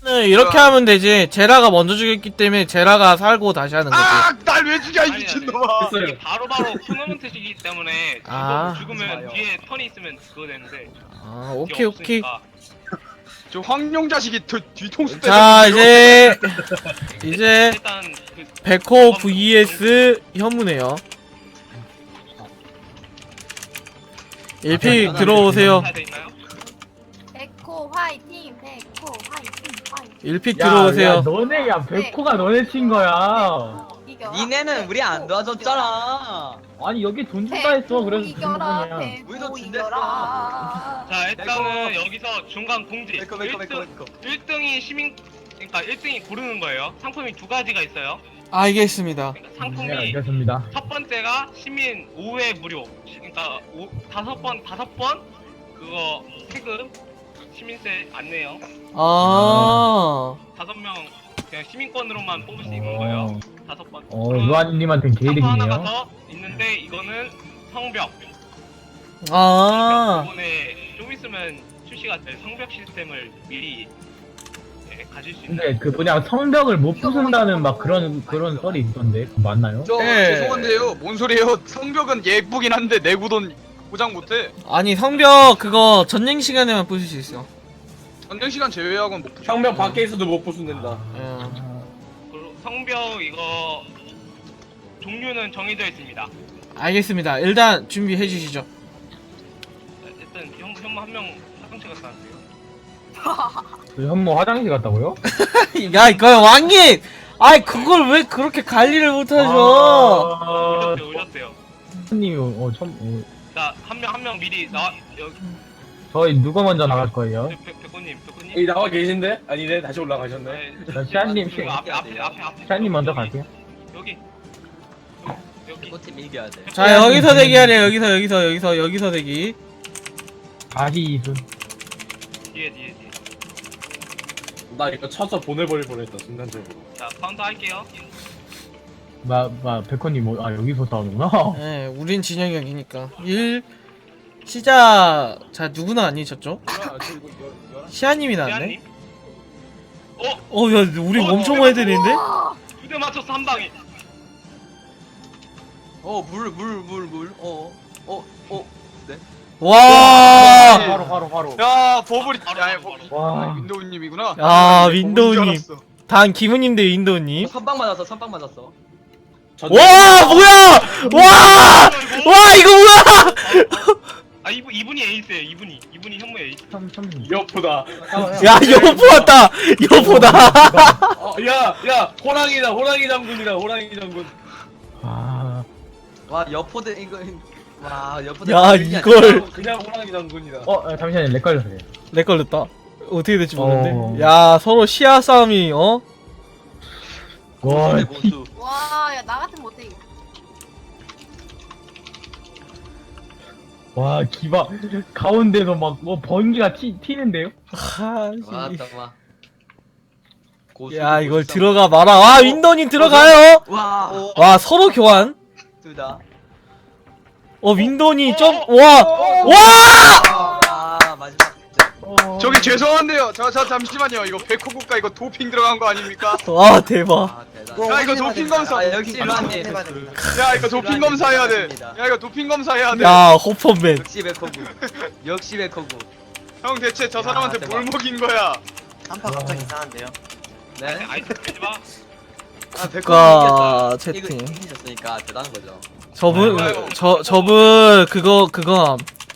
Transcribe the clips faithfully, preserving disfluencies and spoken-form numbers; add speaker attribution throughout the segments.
Speaker 1: 이렇게 하면 되지. 제라가 먼저 죽였기 때문에 제라가 살고 다시 하는 거지.
Speaker 2: 아, 날 왜 죽여 이
Speaker 3: 아니,
Speaker 2: 미친놈아.
Speaker 3: 이게 바로바로 토너먼트이기 때문에
Speaker 1: 아.
Speaker 3: 죽- 죽으면 뒤에 턴이 있으면 그거 되는데
Speaker 1: 아
Speaker 3: 그게
Speaker 1: 오케이 오케이.
Speaker 3: 없으니까.
Speaker 2: 저 황룡 자식이 뒤, 뒤통수
Speaker 1: 자 이제 이제
Speaker 3: 일단 그
Speaker 1: 백호 vs 현무네요. 일 픽 들어오세요.
Speaker 3: 해야 되나요?
Speaker 4: 백호 화이팅! 백호 화이팅! 화이팅!
Speaker 1: 일 픽
Speaker 5: 야, 야,
Speaker 1: 들어오세요.
Speaker 5: 너네, 야, 백호가 너네 친 거야.
Speaker 4: 이겨라.
Speaker 6: 니네는 우리 안 도와줬잖아.
Speaker 5: 아니, 여기 돈 준다 했어. 그래서 준
Speaker 4: 이겨라.
Speaker 5: 거냐.
Speaker 4: 백호
Speaker 6: 우리도
Speaker 4: 이겨라.
Speaker 3: 자 일단은 여기서 중간 공지.
Speaker 6: 메이커 메이커 메이커 메이커.
Speaker 3: 일 등이 시민 그러니까 일 등이 고르는 거예요. 상품이 두 가지가 있어요.
Speaker 1: 알겠습니다.
Speaker 3: 그러니까
Speaker 5: 네,
Speaker 3: 상품이
Speaker 5: 알겠습니다.
Speaker 3: 첫 번째가 시민 오 회 무료. 그러니까 오, 다섯 번 다섯 번 그거 세금 시민세 안 내요.
Speaker 1: 아
Speaker 3: 다섯 명 그냥 시민권으로만 뽑을 수 있는 거예요. 다섯 번.
Speaker 5: 어, 루아님한테는
Speaker 3: 상품 하나가
Speaker 5: 개이득이네요.
Speaker 3: 더 있는데 이거는 성벽.
Speaker 1: 아.
Speaker 3: 이번에 좀 있으면 출시가 될 성벽 시스템을 미리 예, 가질 수 있는.
Speaker 5: 근데 그 뭐냐, 성벽을 못 부순다는 막 그런, 그런 썰이 있던데. 그거 맞나요?
Speaker 2: 저
Speaker 1: 예.
Speaker 2: 죄송한데요. 뭔 소리예요? 성벽은 예쁘긴 한데 내구돈 보장 못해.
Speaker 1: 아니 성벽 그거 전쟁 시간에만 부술 수 있어.
Speaker 2: 전쟁 시간 제외하고는 못. 부셔.
Speaker 7: 성벽 밖에 있어도 못 부순된다.
Speaker 1: 예.
Speaker 3: 그리고 성벽 이거 종류는 정해져 있습니다.
Speaker 1: 알겠습니다. 일단 준비해 주시죠.
Speaker 3: 일단 형 형만 한 명 화장실 갔다 왔어요.
Speaker 5: 그 현모 화장실 갔다고요?
Speaker 1: 야 이거 왕님. 아이 그걸 왜 그렇게 관리를 못하죠?
Speaker 5: 아,
Speaker 3: 오셨대요, 오셨대요.
Speaker 5: 님이 어, 처음, 어,
Speaker 3: 자, 한 명 한 명 미리 나와 여기
Speaker 5: 저희 누가 먼저 나갈 거예요?
Speaker 3: 백- 백호님, 백호님.
Speaker 7: 여기 나와 계신데? 아니네, 다시 올라가셨네.
Speaker 3: 네,
Speaker 5: 자, 시안님,
Speaker 3: 여기 앞에 앞에 앞에 앞에.
Speaker 5: 시안님 먼저
Speaker 3: 여기,
Speaker 5: 갈게요.
Speaker 3: 여기. 여기.
Speaker 6: 백호팀 이겨야 돼.
Speaker 1: 자 여기서 대기하래요. 여기서 여기서 여기서 여기서 대기.
Speaker 5: 다시 이순.
Speaker 3: 뒤에 뒤에 뒤에.
Speaker 7: 나 이거 쳐서 보내버릴 뻔했다, 순간적으로.
Speaker 3: 자, 카운터 할게요.
Speaker 5: 마, 마, 백호님, 뭐, 아, 여기서 싸우는구나.
Speaker 1: 예, 우린 진영이 형이니까. 일 시작. 자 누구나 아니셨죠? 시아님이 나왔네.
Speaker 3: 대한님. 어,
Speaker 1: 어, 야, 우리
Speaker 3: 어,
Speaker 1: 엄청
Speaker 3: 어,
Speaker 1: 많이 되는데?
Speaker 3: 두 대 맞췄어 한 방에.
Speaker 6: 어물 물 물 물. 어. 어. 어.
Speaker 1: 와,
Speaker 5: 바로, 바로, 바로.
Speaker 2: 야 버블이.
Speaker 3: 바로,
Speaker 2: 야
Speaker 3: 바로,
Speaker 2: 버-
Speaker 3: 바로.
Speaker 5: 와.
Speaker 2: 아, 윈도우님이구나.
Speaker 1: 아,
Speaker 2: 버블인 줄
Speaker 1: 윈도우님.
Speaker 2: 알았어.
Speaker 1: 단 기분님 대 윈도우님.
Speaker 6: 선빵 맞았어. 선빵 맞았어.
Speaker 1: 와, 뭐야! 와! 와, 이거 뭐야!
Speaker 3: 아 이분 이분이 에이스예요. 이분이 이분이 현무 에이스.
Speaker 5: 참, 참.
Speaker 7: 여프다.
Speaker 1: 야, 여보 왔다! 여보다!
Speaker 7: 어, 야, 야, 호랑이다, 호랑이 장군이다, 호랑이 장군.
Speaker 5: 아,
Speaker 6: 와 여포대 이거. 와 여포대.
Speaker 1: 야, 이걸.
Speaker 7: 그냥 호랑이 장군이다.
Speaker 5: 어, 어, 잠시만요. 렉 걸렸어요.
Speaker 1: 내 걸렸다. 어떻게 될지 모르는데.
Speaker 5: 어.
Speaker 1: 야, 서로 시야 싸움이, 어?
Speaker 5: 와,
Speaker 6: 고수 고수.
Speaker 4: 와, 야, 나 같은 못해. 이거.
Speaker 5: 와, 기바. 가운데서 막, 뭐, 번개가 튀, 튀는데요?
Speaker 1: 하,
Speaker 6: 와
Speaker 1: 씨.
Speaker 6: 잠깐만. 고수.
Speaker 1: 야, 이걸
Speaker 6: 고수
Speaker 1: 들어가 마라. 와, 윈도우님 들어가요!
Speaker 6: 와.
Speaker 1: 와, 서로 교환.
Speaker 6: 둘 다.
Speaker 1: 어, 윈도우님 점, 와! 와!
Speaker 6: 아 마지막 진짜.
Speaker 5: 어...
Speaker 2: 저기 죄송한데요. 저, 저 잠시만요. 이거 백호 국가 이거 도핑 들어간 거 아닙니까?
Speaker 1: 와, 대박.
Speaker 6: 아 대단.
Speaker 2: 야 이거 도핑 검사.
Speaker 6: 아 역시 루안님.
Speaker 2: 야 이거 도핑 검사해야 돼. 야 이거 도핑 검사해야 돼.
Speaker 1: 야, 호퍼맨.
Speaker 6: 역시 백호구. 역시 백호구.
Speaker 2: 형 대체 저
Speaker 6: 야,
Speaker 2: 사람한테
Speaker 6: 대박.
Speaker 2: 뭘 먹인 거야?
Speaker 8: 한파 갑자기 이상한데요?
Speaker 6: 네.
Speaker 3: 아이스 빼지 마.
Speaker 6: 아 백호구
Speaker 1: 국가
Speaker 6: 이겼다. 이거
Speaker 1: 채팅.
Speaker 6: 이기셨으니까 대단한 거죠.
Speaker 1: 저분,
Speaker 2: 아이고.
Speaker 1: 저, 저분, 그거, 그거,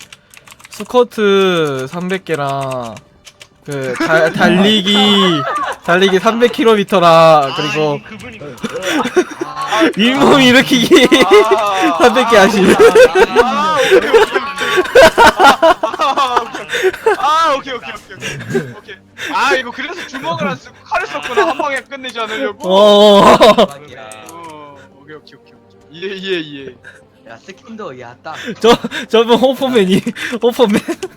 Speaker 1: 스쿼트 삼백 개랑, 그, 달, 달리기, 달리기 삼백 킬로미터랑, 그리고,
Speaker 3: 아, 그분이
Speaker 6: 아,
Speaker 1: 윗몸 일으키기
Speaker 2: 아,
Speaker 1: 삼백 개 하시는.
Speaker 2: 아 오케이 오케이. 아 오케이 오케이 오케이 오케이 오케이. 아 이거 그래서 주먹을 안 쓰고 칼을 썼구나. 한 방에 끝내지 않으려고.
Speaker 1: 어,
Speaker 6: 대박이야.
Speaker 2: 어, 오케이 오케이 오케이. 이해 이해 이해.
Speaker 6: 야 스킨도 야 딱.
Speaker 1: 저, 저분 호퍼맨이, 호퍼맨.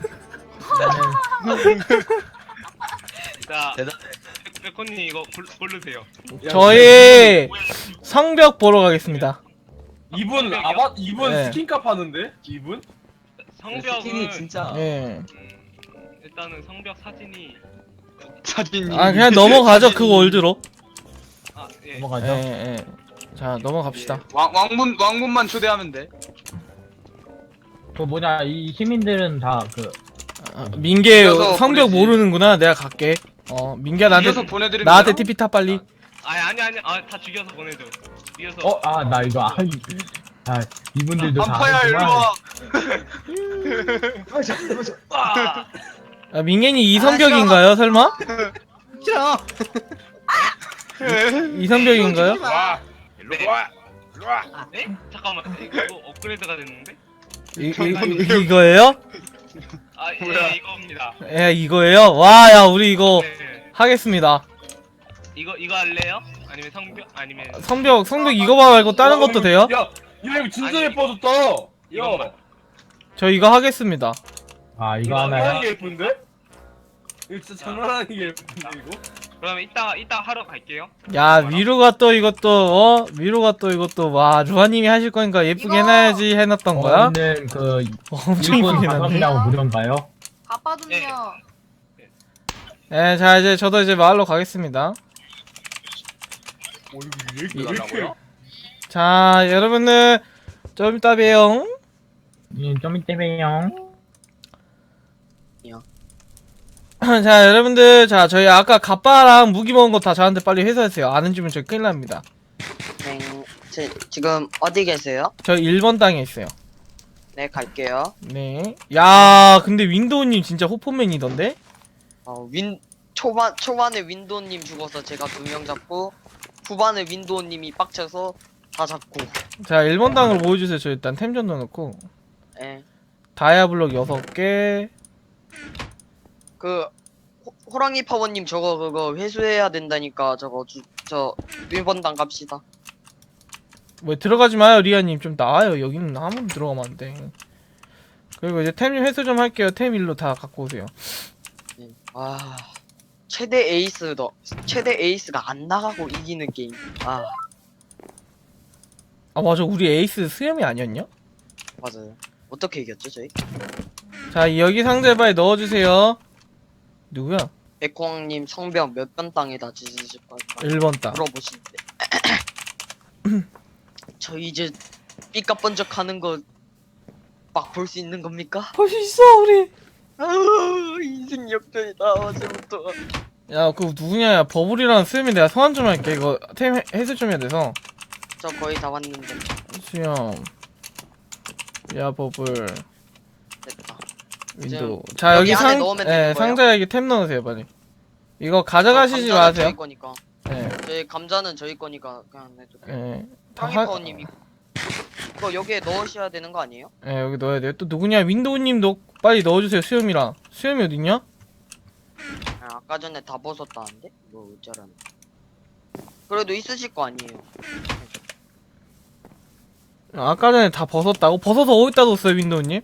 Speaker 3: 자,
Speaker 6: 대단.
Speaker 3: 백- 백호님 이거 골- 고르세요.
Speaker 1: 저희 성벽 보러 가겠습니다.
Speaker 7: 이분, 아바, 이분
Speaker 1: 네.
Speaker 7: 스킨값 하는데? 이분?
Speaker 6: 스킨이
Speaker 3: 성벽은
Speaker 6: 진짜.
Speaker 1: 예.
Speaker 3: 음, 일단은 성벽 사진이
Speaker 2: 사진.
Speaker 1: 아 그냥 넘어가죠 그 월드로.
Speaker 3: 아 예.
Speaker 5: 넘어가죠.
Speaker 1: 예, 예. 자 넘어갑시다.
Speaker 2: 왕 왕문 왕문만 초대하면 돼.
Speaker 5: 그 뭐냐 이 시민들은 다그
Speaker 1: 아, 민계
Speaker 2: 이어서
Speaker 1: 성벽
Speaker 2: 보내지.
Speaker 1: 모르는구나. 내가 갈게. 어 민기야
Speaker 2: 이어서
Speaker 1: 나한테
Speaker 2: 보내드리면
Speaker 1: 나한테
Speaker 2: 돼요?
Speaker 1: 티피 타 빨리.
Speaker 3: 아니 아니 아니 아다 죽여서 보내줘. 죽여서.
Speaker 5: 어 아 나 이거 아, 이- 아 이분들도 다
Speaker 2: 반파야 일로
Speaker 5: 아는구만.
Speaker 2: 와.
Speaker 3: 아,
Speaker 1: 아, 민gen이 이성벽인가요 설마?
Speaker 8: 싫어.
Speaker 1: 이성벽인가요?
Speaker 4: 와.
Speaker 3: 일로 와. 일로 와. 네? 잠깐만 이거 업그레이드가 됐는데?
Speaker 1: 이, 이, 이, 이거예요?
Speaker 3: 아 예
Speaker 2: 뭐야?
Speaker 3: 이겁니다.
Speaker 1: 예 이거예요? 와 야 우리 이거
Speaker 3: 네.
Speaker 1: 하겠습니다.
Speaker 3: 이거 이거 할래요? 아니면 성벽 아니면
Speaker 1: 성벽 성벽 이거 말고 다른 것도 돼요?
Speaker 7: 야, 야 이거 진짜
Speaker 3: 아니,
Speaker 7: 예뻐졌다.
Speaker 3: 이것만.
Speaker 7: 야,
Speaker 1: 저 이거 하겠습니다.
Speaker 5: 아 이거
Speaker 7: 이거
Speaker 5: 하나야.
Speaker 7: 장난하는 게 예쁜데? 이거 진짜 장난하는 게 예쁜데 이거?
Speaker 3: 그러면 이따 이따 하러 갈게요.
Speaker 1: 야 미루가 또 이것도 어 미루가 또 이것도 와 루아님이 하실 거니까 예쁘게
Speaker 4: 이거!
Speaker 1: 해놔야지 해놨던 거야?
Speaker 5: 저는 그
Speaker 1: 엄청
Speaker 5: 일본
Speaker 1: 이쁘게 해놨네.
Speaker 5: 가성비하고 무료인가요?
Speaker 4: 아빠 좀요.
Speaker 1: 예, 자 이제 저도 이제 마을로 가겠습니다.
Speaker 7: 어 이거 왜 이렇게 달라고요?
Speaker 1: 자 여러분들 좀 이따 봬요.
Speaker 5: 예, 좀 이따 봬요.
Speaker 1: 자 여러분들 자 저희 아까 갑바랑 무기 먹은 거 다 저한테 빨리 회수하세요. 안 해주면 저 큰일 납니다.
Speaker 8: 네, 제, 지금 어디 계세요?
Speaker 1: 저 일 번 땅에 있어요.
Speaker 8: 네, 갈게요.
Speaker 1: 네. 야 근데 윈도우님 진짜 호포맨이던데?
Speaker 8: 어, 윈 초반 초반에 윈도우님 죽어서 제가 두 명 잡고 후반에 윈도우님이 빡쳐서 다 잡고.
Speaker 1: 자 일 번 땅으로 보여주세요. 저 일단 템 좀 넣어놓고
Speaker 8: 예.
Speaker 1: 다이아블록 여섯 개.
Speaker 8: 그 호, 호랑이 파워님 저거 그거 회수해야 된다니까 저거 주, 저 일 번 당 갑시다.
Speaker 1: 뭐 들어가지 마요 리아님. 좀 나와요. 여기는 아무도 들어가면 안 돼. 그리고 이제 템 회수 좀 할게요. 템 일로 다 갖고 오세요.
Speaker 8: 예. 아 최대 에이스 너 최대 에이스가 안 나가고 이기는 게임. 아
Speaker 1: 아 맞아 우리 에이스 수염이 아니었냐?
Speaker 8: 맞아요. 어떻게 이겼죠 저희?
Speaker 1: 자 여기 상자바에 넣어주세요. 누구야?
Speaker 8: 백호왕님 성병 몇 번 땅에다 지지실 거예요?
Speaker 1: 일 번 땅.
Speaker 8: 물어보시는데 저 이제 삐까번쩍하는 거 막 볼 수 있는 겁니까?
Speaker 1: 볼 수 있어 우리.
Speaker 8: 아우 인생 역전이다 어제부터.
Speaker 1: 야 그 누구냐? 야 버블이랑 수염이 내가 소환 좀 할게. 이거 템 해- 해수 좀 해야 돼서.
Speaker 8: 저 거의 다 왔는데
Speaker 1: 수염. 야 버블.
Speaker 8: 됐다.
Speaker 1: 윈도우. 자
Speaker 8: 여기
Speaker 1: 여기
Speaker 8: 안에
Speaker 1: 상
Speaker 8: 넣으면
Speaker 1: 예,
Speaker 8: 되는 거예요?
Speaker 1: 상자에 이렇게 템 넣으세요 빨리. 이거 가져가시지
Speaker 8: 감자는
Speaker 1: 마세요.
Speaker 8: 저희 거니까.
Speaker 1: 예.
Speaker 8: 저희 감자는 저희 거니까 그냥 내도 돼.
Speaker 1: 예. 다
Speaker 8: 호랑이
Speaker 1: 하-
Speaker 8: 파워님이 이거 여기에 넣으셔야 되는 거 아니에요?
Speaker 1: 예, 여기 넣어야 돼요. 또 누구냐? 윈도우님 넣 빨리 넣어주세요. 수염이랑. 수염이 어딨냐?
Speaker 8: 아, 아까 전에 다 벗었다는데? 뭐 어쩌라는. 그래도 있으실 거 아니에요.
Speaker 1: 아까 전에 다 벗었다고? 벗어서 어디다 뒀어요, 윈도우님?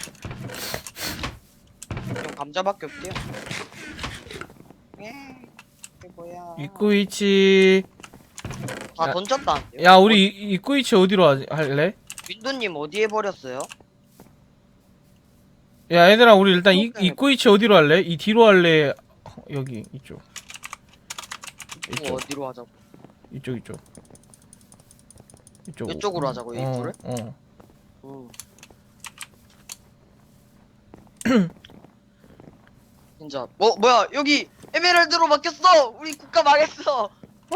Speaker 8: 그럼 감자밖에 없대요. 예. 이게 뭐야?
Speaker 1: 입구 위치.
Speaker 8: 다
Speaker 1: 야.
Speaker 8: 던졌다는데요?
Speaker 1: 야, 우리 이- 입구 위치 어디로 하, 할래?
Speaker 8: 윈도님 어디에 버렸어요?
Speaker 1: 야, 얘들아, 우리 일단 이,
Speaker 8: 오케이.
Speaker 1: 입구 위치 어디로 할래? 이 뒤로 할래? 어, 여기, 이쪽.
Speaker 8: 뭐
Speaker 1: 이쪽,
Speaker 8: 어디로 하자고?
Speaker 1: 이쪽, 이쪽. 이쪽.
Speaker 8: 이쪽으로 하자고
Speaker 1: 어,
Speaker 8: 입구를?
Speaker 1: 어.
Speaker 8: 응. 진짜 뭐 뭐야 여기 에메랄드로 바뀌었어. 우리 국가 망했어.
Speaker 1: 와,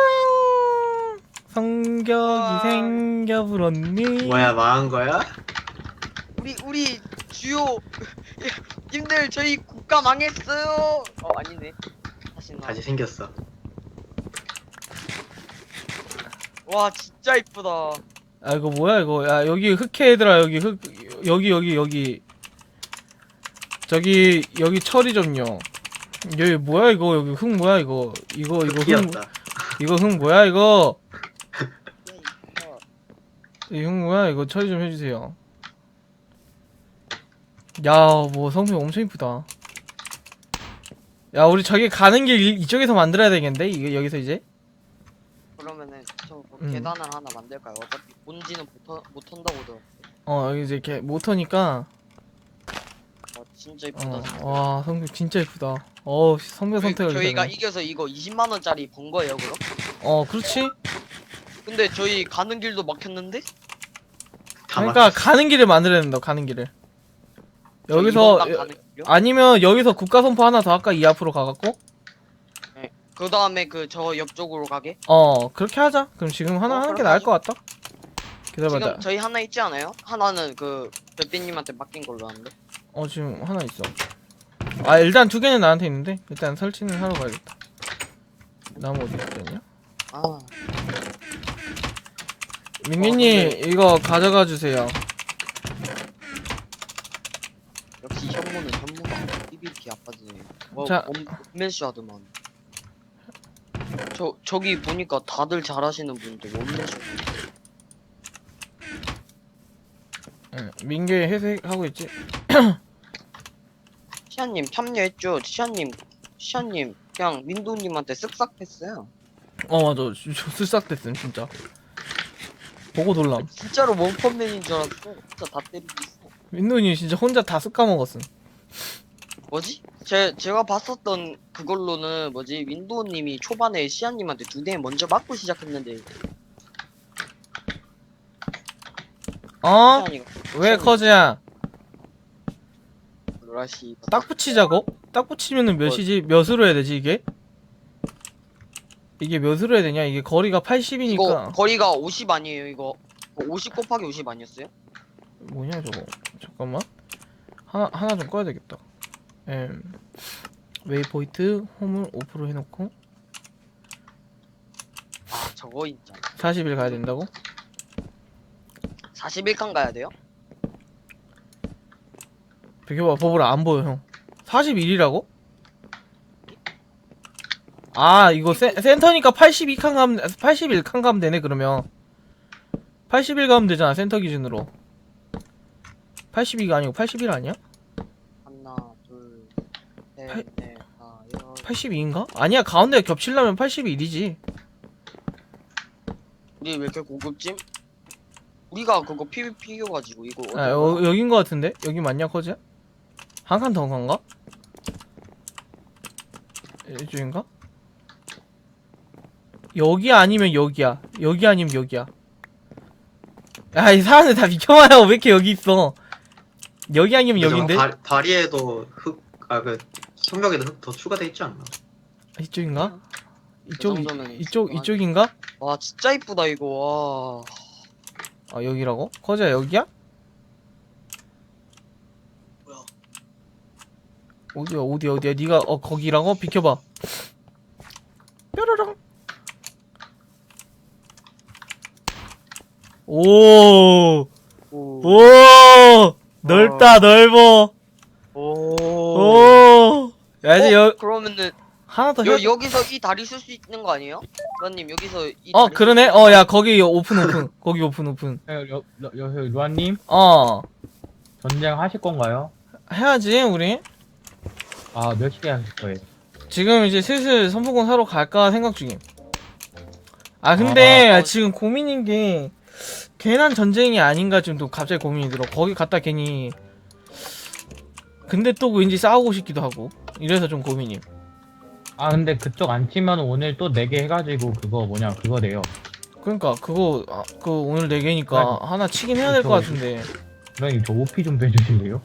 Speaker 1: 성격이
Speaker 8: 와.
Speaker 1: 생겨 불었니?
Speaker 6: 뭐야 망한 거야?
Speaker 8: 우리 우리 주요 님들 저희 국가 망했어요. 어 아니네. 다시 나.
Speaker 6: 다시 생겼어.
Speaker 8: 와 진짜 이쁘다.
Speaker 1: 아, 이거 뭐야, 이거. 야, 여기 흑해, 얘들아, 여기 흑, 여기, 여기, 여기. 저기, 여기 처리 좀요. 여기 뭐야, 이거. 여기 흙 뭐야, 이거. 이거, 이거 흙.
Speaker 6: 귀엽다.
Speaker 1: 이거 흙 뭐야, 이거.
Speaker 8: 야, 이쁘다.
Speaker 1: 이 흙 뭐야, 이거 처리 좀 해주세요. 야, 뭐 성품 엄청 이쁘다. 야, 우리 저기 가는 길 이- 이쪽에서 만들어야 되겠는데? 이거 여기서 이제?
Speaker 8: 그러면은 저뭐
Speaker 1: 음.
Speaker 8: 계단을 하나 만들까요? 어차피 본지는 못, 턴- 못 턴다고 들었는데.
Speaker 1: 어, 여기 이제 이렇게 모터니까.
Speaker 8: 어, 진짜 이쁘다.
Speaker 1: 어, 와 성격 진짜 이쁘다. 어 성별
Speaker 8: 저희,
Speaker 1: 선택을
Speaker 8: 저희가
Speaker 1: 잘해.
Speaker 8: 이겨서 이거 이십만 원짜리 번 거예요, 그럼?
Speaker 1: 어 그렇지.
Speaker 8: 근데 저희 가는 길도 막혔는데?
Speaker 1: 그러니까 가는 길을 만들어야 된다. 가는 길을.
Speaker 8: 저
Speaker 1: 여기서
Speaker 8: 이번 당 가는 길이요?
Speaker 1: 아니면 여기서 국가 선포 하나 더 할까? 이 앞으로 가갖고.
Speaker 8: 그 다음에 그 저 옆쪽으로 가게?
Speaker 1: 어 그렇게 하자. 그럼 지금 하나
Speaker 8: 어,
Speaker 1: 하는 게
Speaker 8: 그렇게
Speaker 1: 나을
Speaker 8: 하죠.
Speaker 1: 것 같다. 기다려봐.
Speaker 8: 지금
Speaker 1: 나-
Speaker 8: 저희 하나 있지 않아요? 하나는 그 별빛님한테 맡긴 걸로 아는데.
Speaker 1: 어 지금 하나 있어. 아 일단 두 개는 나한테 있는데 일단 설치는 하러 가야겠다. 나무 어디 있냐?
Speaker 8: 아,
Speaker 1: 민기님
Speaker 8: 근데-
Speaker 1: 이거 가져가 주세요.
Speaker 8: 역시 현무는 현무가 이비키 아빠지네. 뭐
Speaker 1: 자.
Speaker 8: 원맨쇼 하더만. 저 저기 보니까 다들 잘하시는 분들 원맨쇼.
Speaker 1: 응, 민기 회색하고 있지.
Speaker 8: 시아님 참여했죠? 시아님 시아님 그냥 민도님한테 쓱싹 했어요.
Speaker 1: 어 맞아. 저 쓸싹됐음 진짜. 보고 놀람.
Speaker 8: 진짜로 원펀맨인 줄 알았어. 진짜 다 때리고 있어.
Speaker 1: 민도님 진짜 혼자 다 쓱 까먹었음.
Speaker 8: 뭐지? 제 제가 봤었던 그걸로는 뭐지? 윈도우님이 초반에 시아님한테 두 대 먼저 맞고 시작했는데
Speaker 1: 어?
Speaker 8: 시아니가
Speaker 1: 왜 커즈야?
Speaker 8: 로라시
Speaker 1: 딱 붙이자고? 딱 붙이면은 몇이지? 몇으로 해야 되지 이게? 이게 몇으로 해야 되냐? 이게 거리가
Speaker 8: 이거
Speaker 1: 팔십이니까
Speaker 8: 거리가 오십 아니에요 이거? 오십 곱하기 오십 아니었어요?
Speaker 1: 뭐냐 저거. 잠깐만. 하나 하나 좀 꺼야 되겠다. 음. 웨이포인트 홈을 오 퍼센트 해놓고
Speaker 8: 아 저거 있잖아.
Speaker 1: 사십 일 가야 된다고?
Speaker 8: 사십일 칸 가야 돼요?
Speaker 1: 비켜봐 버블아 안 보여 형. 사십일이라고? 아 이거 센, 센터니까 팔십이 칸 가면 팔십일 칸 가면 되네 그러면. 팔십일 가면 되잖아 센터 기준으로. 팔십이가 아니고 팔십일 아니야?
Speaker 8: 하나
Speaker 1: 팔-
Speaker 8: 둘셋넷 다섯
Speaker 1: 팔십이인가? 아니야 가운데 겹치려면 팔십일이지.
Speaker 8: 우리 왜 이렇게 고급짐? 우리가 그거 피비피 이겨가지고 이거
Speaker 1: 아 여, 여긴 거 같은데? 여기 맞냐 커즈야? 한 칸 더 간가? 이쪽인가? 여기 아니면 여기야. 여기 아니면 여기야. 야 이 사람들 다 비켜봐요. 왜 이렇게 여기 있어? 여기 아니면 여긴데?
Speaker 9: 다, 다리에도 흙, 아, 그, 성벽에도 흙 더 추가돼 있지 않나?
Speaker 1: 이쪽인가? 이쪽 이,
Speaker 8: 정도면
Speaker 1: 이쪽
Speaker 8: 있을
Speaker 1: 이쪽인가?
Speaker 8: 와 진짜 이쁘다 이거 와.
Speaker 1: 아 여기라고? 커즈야 여기야?
Speaker 8: 뭐야?
Speaker 1: 어디야 어디야 어디야? 네가 어 거기라고? 비켜봐. 뾰로롱. 오.
Speaker 8: 오.
Speaker 1: 오 넓다 넓어.
Speaker 8: 오.
Speaker 1: 오. 야 이제
Speaker 8: 어?
Speaker 1: 여
Speaker 8: 그러면은
Speaker 1: 하나 더
Speaker 8: 여,
Speaker 1: 해.
Speaker 8: 여기서 이 다리 쓸 수 있는 거 아니에요? 부장님 여기서 이
Speaker 1: 어
Speaker 8: 다리
Speaker 1: 그러네.
Speaker 8: 쓸수
Speaker 1: 어 야 거기 오픈 오픈. 거기 오픈 오픈.
Speaker 5: 여, 여, 여, 여, 루아님
Speaker 1: 어
Speaker 5: 전쟁 하실 건가요?
Speaker 1: 해야지 우리.
Speaker 5: 아 몇 시에 하실 거예요?
Speaker 1: 지금 이제 슬슬 선포권 사러 갈까 생각 중임. 아 근데
Speaker 8: 아, 어.
Speaker 1: 지금 고민인 게 괜한 전쟁이 아닌가 지금 또 갑자기 고민이 들어. 거기 갔다 괜히 근데 또 왠지 싸우고 싶기도 하고 이래서 좀 고민임.
Speaker 5: 아 근데 그쪽 안 치면 오늘 또 네 개 해가지고 그거 뭐냐 그거 돼요.
Speaker 1: 그러니까 그거 아, 그 오늘 네 개니까 하나 치긴 해야 될 것
Speaker 5: 그쵸.
Speaker 1: 같은데.
Speaker 5: 그러니 저 오피 좀 빼주실래요?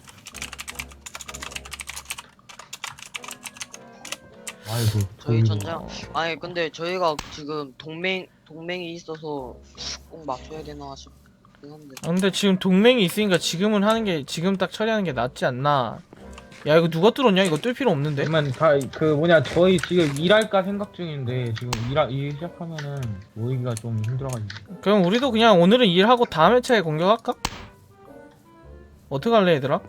Speaker 5: 아이고
Speaker 8: 저희
Speaker 5: 저희도-
Speaker 8: 전쟁 아니 근데 저희가 지금 동맹 동맹이 있어서 꼭 맞춰야 되나 싶긴 한데
Speaker 1: 아, 근데 지금 동맹이 있으니까 지금은 하는 게 지금 딱 처리하는 게 낫지 않나. 야 이거 누가 뚫었냐? 이거 뚫 필요 없는데.
Speaker 5: 그러면 다그 뭐냐 저희 지금 일할까 생각 중인데 지금 일하 일 시작하면은 모이기가 좀 힘들어가지고.
Speaker 1: 그럼 우리도 그냥 오늘은 일하고 다음 회차에 공격할까? 어떻게 할래 얘들아?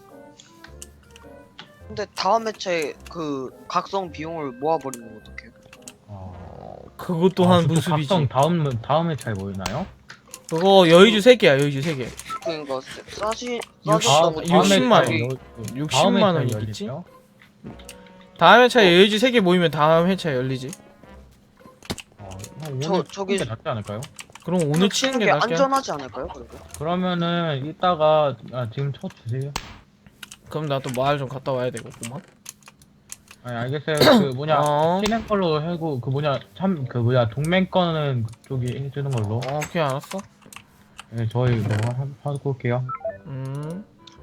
Speaker 8: 근데 다음 회차에 그 각성 비용을 모아버리면 어떡해요?
Speaker 5: 어...
Speaker 1: 그것도
Speaker 5: 아,
Speaker 1: 한
Speaker 5: 그것도
Speaker 1: 무수비지.
Speaker 5: 각성 다음 다음 회차에 모이나요?
Speaker 1: 그거 여의주 세 개야 여의주 세 개.
Speaker 8: 그러니까 싸- 싸시
Speaker 1: 육십-
Speaker 8: 싸시
Speaker 1: 아,
Speaker 8: 너무
Speaker 1: 육십만
Speaker 8: 저기
Speaker 1: 원. 육십만
Speaker 5: 다음
Speaker 1: 원이
Speaker 5: 회차에
Speaker 1: 있겠지?
Speaker 5: 열릴까요?
Speaker 1: 다음 회차에 여의주 세 개 모이면 다음 회차에 열리지.
Speaker 5: 어, 오늘
Speaker 8: 저- 저기-
Speaker 5: 치는 게 낫지 않을까요?
Speaker 1: 그럼 오늘 치는 게 낫게.
Speaker 8: 안전하지 않을까요? 그래도?
Speaker 5: 그러면은 이따가 아, 지금 쳐 주세요.
Speaker 1: 그럼 나 또 마을 좀 갔다 와야 되겠구만.
Speaker 5: 아니 알겠어요. 그 뭐냐
Speaker 1: 어.
Speaker 5: 친행 걸로 하고 그 뭐냐 참 그 뭐냐 동맹 거는 그쪽이 해주는 걸로.
Speaker 1: 어, 오케이 알았어.
Speaker 5: 네, 저희 뭐 하- 하고 올게요.
Speaker 1: 음.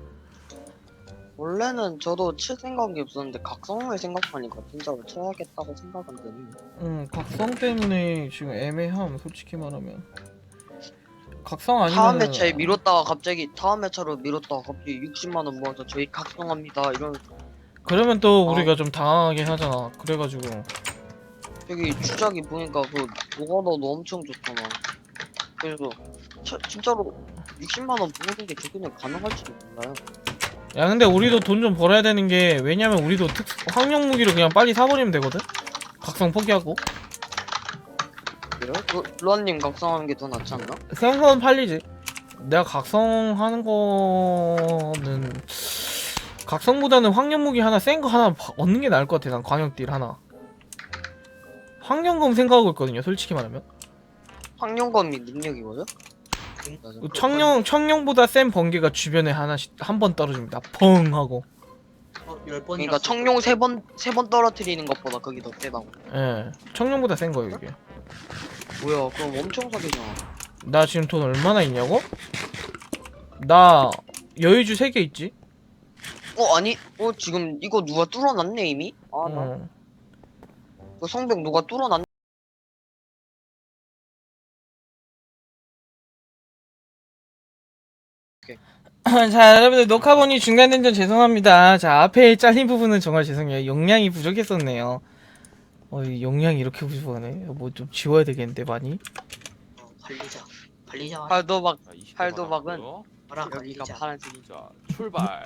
Speaker 8: 원래는 저도 칠 생각이 없었는데 각성을 생각하니까 진짜로 쳐야겠다고 생각은 드네요.
Speaker 1: 음, 각성 때문에 지금 애매함, 솔직히 말하면. 각성 아니면
Speaker 8: 다음 회차에 미뤘다가 갑자기 다음 회차로 미뤘다가 갑자기 육십만 원 모아서 저희 각성합니다 이런.
Speaker 1: 그러면 또
Speaker 8: 어.
Speaker 1: 우리가 좀 당황하긴 하잖아. 그래가지고
Speaker 8: 저기 주작이 보니까 그 노가다도 엄청 좋잖아. 그래서 차, 진짜로 육십만 원 모으는 게 최근에 가능할지도 몰라요.
Speaker 1: 야 근데 우리도 돈 좀 벌어야 되는 게 왜냐면 우리도 특 황룡 무기를 그냥 빨리 사버리면 되거든. 각성 포기하고
Speaker 8: 그래요? 그 루안님 각성하는 게 더 낫지 않나?
Speaker 1: 생선 팔리지. 내가 각성하는 거는 각성보다는 황룡 무기 하나 센 거 하나 바- 얻는 게 나을 것 같아. 난 광역딜 하나. 황룡검 생각하고 있거든요. 솔직히 말하면
Speaker 8: 황룡검이 능력이거든?
Speaker 1: 청룡 청룡보다 센 번개가 주변에 하나씩 한 번 떨어집니다. 펑 하고.
Speaker 6: 어, 열 번이나
Speaker 8: 그러니까 청룡 세 번 세 번 떨어뜨리는 것보다 그게 더 세다고.
Speaker 1: 예, 청룡보다 센 거예요 이게.
Speaker 8: 뭐야? 그럼 엄청 사기잖아.
Speaker 1: 나 지금 돈 얼마나 있냐고? 나 여유주 세 개 있지?
Speaker 8: 어 아니? 어 지금 이거 누가 뚫어놨네 이미? 아 나
Speaker 1: 어.
Speaker 8: 그 성벽 누가 뚫어놨네?
Speaker 1: 자 여러분들 녹화본이 중단된 점 죄송합니다. 자 앞에 잘린 부분은 정말 죄송해요. 용량이 부족했었네요. 어, 이 용량이 이렇게 부족하네. 뭐 좀 지워야 되겠는데 많이.
Speaker 6: 어, 관리자. 관리자.
Speaker 8: 팔도박
Speaker 7: 자, 이십 개
Speaker 8: 팔도박은
Speaker 7: 받았고요.
Speaker 6: 봐라
Speaker 8: 여기가
Speaker 6: 관리자.
Speaker 8: 파란색이.
Speaker 7: 자, 출발.